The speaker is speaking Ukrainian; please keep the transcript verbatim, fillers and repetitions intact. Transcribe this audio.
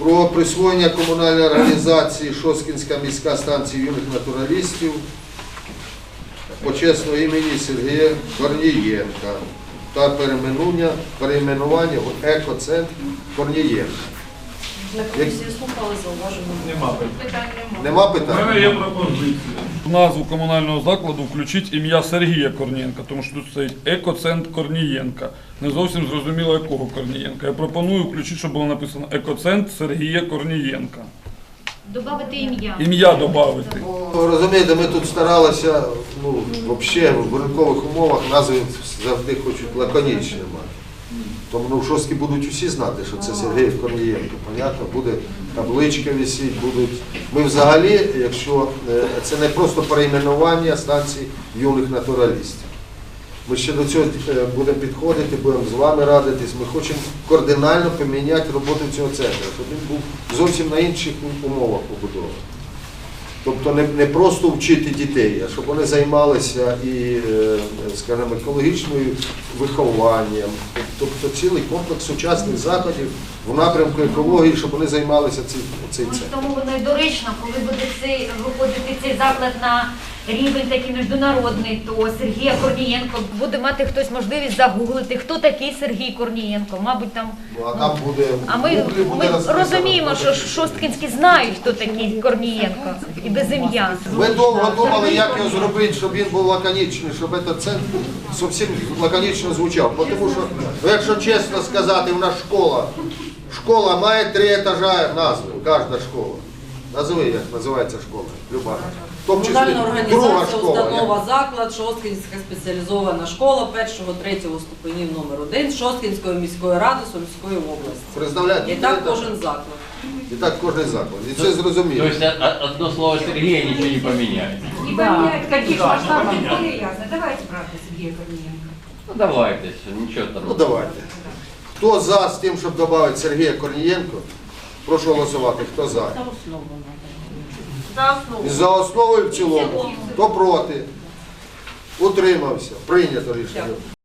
Про присвоєння комунальної організації Шосткінська міська станція юних натуралістів почесного імені Сергія Корнієнка та перейменування, перейменування в екоцентр Корнієнка. На комісії слухали, зауважено. Нема питань. Нема У питань? мене є пропозиція. В назву комунального закладу включіть ім'я Сергія Корнієнка, тому що тут стоїть екоцентр Корнієнка. Не зовсім зрозуміло, якого Корнієнка. Я пропоную включити, щоб було написано екоцентр Сергія Корнієнка. Добавити ім'я. Ім'я додати. Ну, розумієте, ми тут старалися, ну, взагалі в ринкових умовах назви завжди хочуть лаконічні мати. Тому ну, в Шостці будуть усі знати, що це Сергій Корнієнко. Понятно, буде табличка висіть, будуть. Ми взагалі, якщо це не просто перейменування станції юних натуралістів. Ми ще до цього будемо підходити, будемо з вами радитись. Ми хочемо кардинально поміняти роботу цього центру, щоб він був зовсім на інших умовах побудований. Тобто не, не просто вчити дітей, а щоб вони займалися і, скажімо, екологічним вихованням, тобто цілий комплекс сучасних заходів в напрямку екології, щоб вони займалися цим цей центр. Тому воно і доречно, коли буде цей, виходити цей заклад на рівень такий міжнародний, то Сергія Корнієнко буде мати хтось можливість загуглити, хто такий Сергій Корнієнко. Мабуть, там. Ну, а там буде, А ми, буде ми розписано. розуміємо, що шосткінські знають, хто такий Корнієнко, і без ім'я. Ми довго думали, як його зробити, щоб він був лаконічний, щоб цей центр зовсім лаконічно звучав. Бо Тому що, ну, якщо чесно сказати, в нас школа, школа має три етажа назви, кожна школа. Назови, як називається школа, люба. В тому числі Комунальна друга організація, школа. установа, заклад, Шосткінська спеціалізована школа першого, третього ступенів номер один Шосткінської міської ради Сумської області. Представляєте? І так кожен заклад. І так кожен заклад. І це зрозуміло. То есть о- одно слово Сергея ничего не поменяет. И поменять, в каких масштабах, более ясно. Давайте, правда, Сергея Корниенко. Ну давайте, ничего там. Ну давайте. Хто за з тим, щоб додати Сергія Корнієнко, прошу голосувати. Хто за? За основу. І за основу і в цілому. Хто проти? Утримався. Прийнято рішення.